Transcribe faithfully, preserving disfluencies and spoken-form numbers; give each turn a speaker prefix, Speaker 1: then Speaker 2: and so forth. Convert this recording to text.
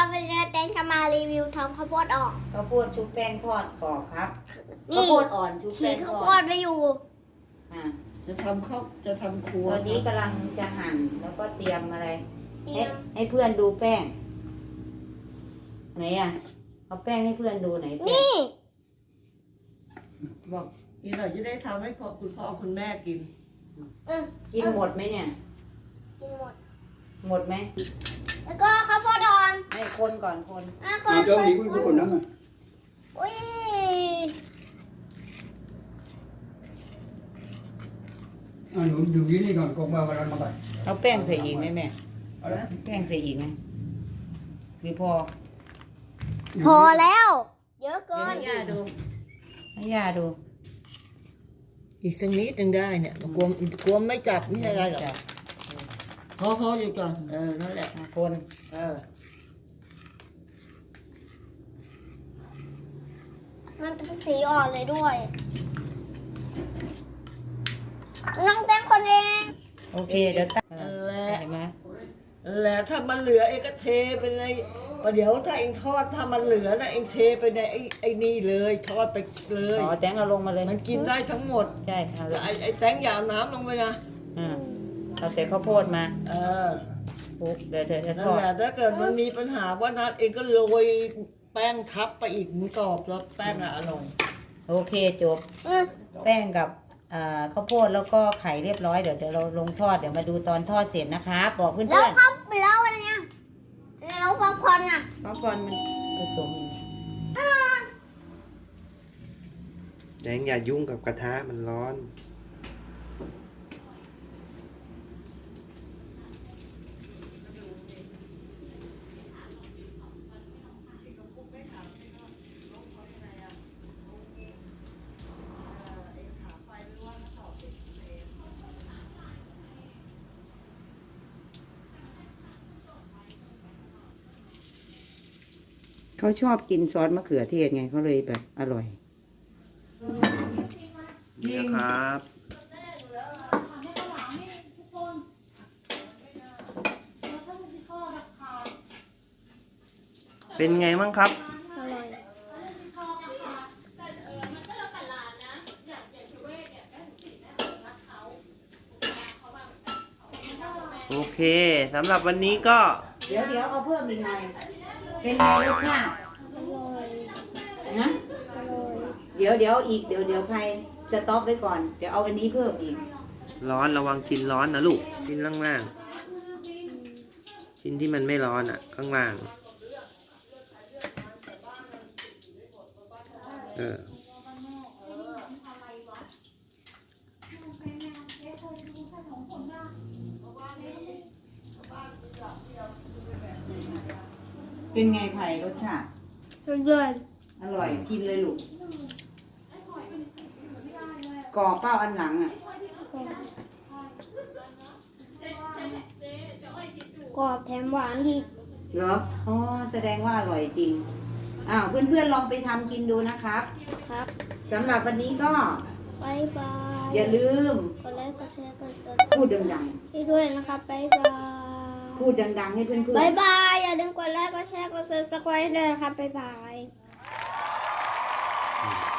Speaker 1: ครับวันนี้เต้นจะมารีวิวทำข้าวโพดอ่อน
Speaker 2: ข้าวโพดชุบแป้งทอดกรอบครับ
Speaker 1: นี่
Speaker 2: ข้าวโพดอ่อนชุบ
Speaker 1: ฉี
Speaker 2: แป้
Speaker 1: ก
Speaker 2: งท
Speaker 1: ข้าว
Speaker 2: อ
Speaker 1: โพ
Speaker 2: ด
Speaker 1: ดไปอยู่
Speaker 2: อ่า
Speaker 3: จะทำข้าวจะทำครัว
Speaker 2: ตอนนี้กำลังจะหั่นแล้วก็เตรียมอะไร
Speaker 1: เตรี
Speaker 2: ให้
Speaker 1: ยม
Speaker 2: ให้เพื่อนดูแป้งไหนอ่ะเอาแป้งให้เพื่อนดูไหนแป้ง
Speaker 1: นี่
Speaker 3: บอกอีกหน่อยจะได้ทำให้พ่อคุณพ่อคุณแม่กิน
Speaker 1: เออ
Speaker 2: กินหมดไหมเนี่ย
Speaker 1: กินหมด
Speaker 2: หมดไหม
Speaker 1: แล้วก็ข้าวโพดอ่อน
Speaker 2: ให้คนก่อนคน
Speaker 1: อ่ะค
Speaker 4: อ่าน เจ้าหญิงคุณคนนั้นน่ะ
Speaker 1: อุ้ย
Speaker 4: อ่าหนูอยู่ที่นี่ก่อนกงมาวันนั้นมาก่อน
Speaker 2: เอาแป้งใส่อีกไหมแม่
Speaker 4: เอาละ
Speaker 2: แป้งใส่อีกไหมหรือพอ
Speaker 1: พอแล้ว เยอะ
Speaker 2: เดี๋ยว
Speaker 1: เกิน
Speaker 2: ให้ย่าดูให้ย่าดู
Speaker 3: อีกสักนิดหนึ่งได้เนี่ยกลัวกลัวไม่จับไม่อะไรหรอก
Speaker 2: จับ
Speaker 3: พอพออยู่ก่อนเออนั่นแหละ
Speaker 2: คน
Speaker 3: เออ
Speaker 1: มันเป็นสีอ่อนเลยด้วยน้องเต้นคนเอง
Speaker 2: โอเคเดี๋ยวตั้ง
Speaker 3: นั่นแหละ
Speaker 2: เห็นไหม
Speaker 3: นั่นแหละถ้ามันเหลือเองก็เทไปในประเดี๋ยวถ้าเองทอดถ้ามันเหลือนะเองเทไปในไอ้ไอ้นี่เลยทอดไปเลย
Speaker 2: อ๋อแตงเอาลงมาเลย
Speaker 3: มันกินได้ทั้งหมด
Speaker 2: ใช่เอาเลย
Speaker 3: ไอ้ไอ้แตงอย่าเอาน้ำลงไปนะ
Speaker 2: อ่าเอาแต่ข้าวโพดมา
Speaker 3: เออ
Speaker 2: ปุ๊บเดี๋ยวเดี๋ยวจะ
Speaker 3: นั่
Speaker 2: ท
Speaker 3: น
Speaker 2: อด
Speaker 3: แหละถ้าเกิดมันมีปัญหาว่านัดเองก็โรยแป้งทับไปอีกมันกรอบแล้วแป้งอะอร่อย
Speaker 2: โอเคจบ
Speaker 1: อืม
Speaker 2: แป้งกับอ่าข้าวโพดแล้วก็ไข่เรียบร้อยเดี๋ยวเดี๋ยวเราลงทอดเดี๋ยวมาดูตอนทอดเสร็จนะคะบอกเพื่อน
Speaker 1: แล้ว
Speaker 2: ๆ
Speaker 1: ครับแล้วอะไรเนี่ยแล้วป๊อปคอร์นอ่ะ
Speaker 2: ป๊อปคอร์นมันผสมอยู่
Speaker 5: แดงอย่ายุ่งกับกระทะมันร้อน
Speaker 2: เขาชอบกินซอสมะเขือเทศไงเขาเลยแบบอร่อย
Speaker 5: นี่นะครับ เป็นไงบ้างครับ
Speaker 1: อร่อย
Speaker 5: โอเคสำหรับวันนี้ก็
Speaker 2: เดี๋ยวเดี๋ยวเอาเพิ่มอีกหน่อยเป็นไงรสชาติ
Speaker 1: อร่อย
Speaker 2: นะ
Speaker 1: อร่อย
Speaker 2: เดี๋ยวเดี๋ยวอีกเดี๋ยวเดี๋ยวใครสต็อปไว้ก่อนเดี๋ยวเอาอันนี้เพิ่มอีก
Speaker 5: ร้อนระวังชิ้นร้อนนะลูก ชิ้นล่างๆชิ้นที่มันไม่ร้อนอ่ะ ข้างล่าง เออ
Speaker 2: เป็นไงไผ่รสชาติ
Speaker 1: อร่อย
Speaker 2: อร่อยกินเลยลูกกรอบเป้าอันหลังอ่ะ
Speaker 1: กรอบแถมหวานดี
Speaker 2: เหรออ๋อแสดงว่าอร่อยจริงอ้าวเพื่อนๆลองไปทำกินดูนะครับ
Speaker 1: ครับ
Speaker 2: สำหรับวันนี้ก็
Speaker 1: บายบาย
Speaker 2: อย่าลืม
Speaker 1: กดไลค์กดแชร์กดติด
Speaker 2: พูดดัง
Speaker 1: ตามให้ด้วยนะครับบายบาย
Speaker 2: ๆ พูดดังๆให้เพื่อน
Speaker 1: บาย
Speaker 2: ๆ
Speaker 1: บายอย่าลืมกดไลค์กดแชร์กดซับสไครต์ด้วยนะครับบายบาย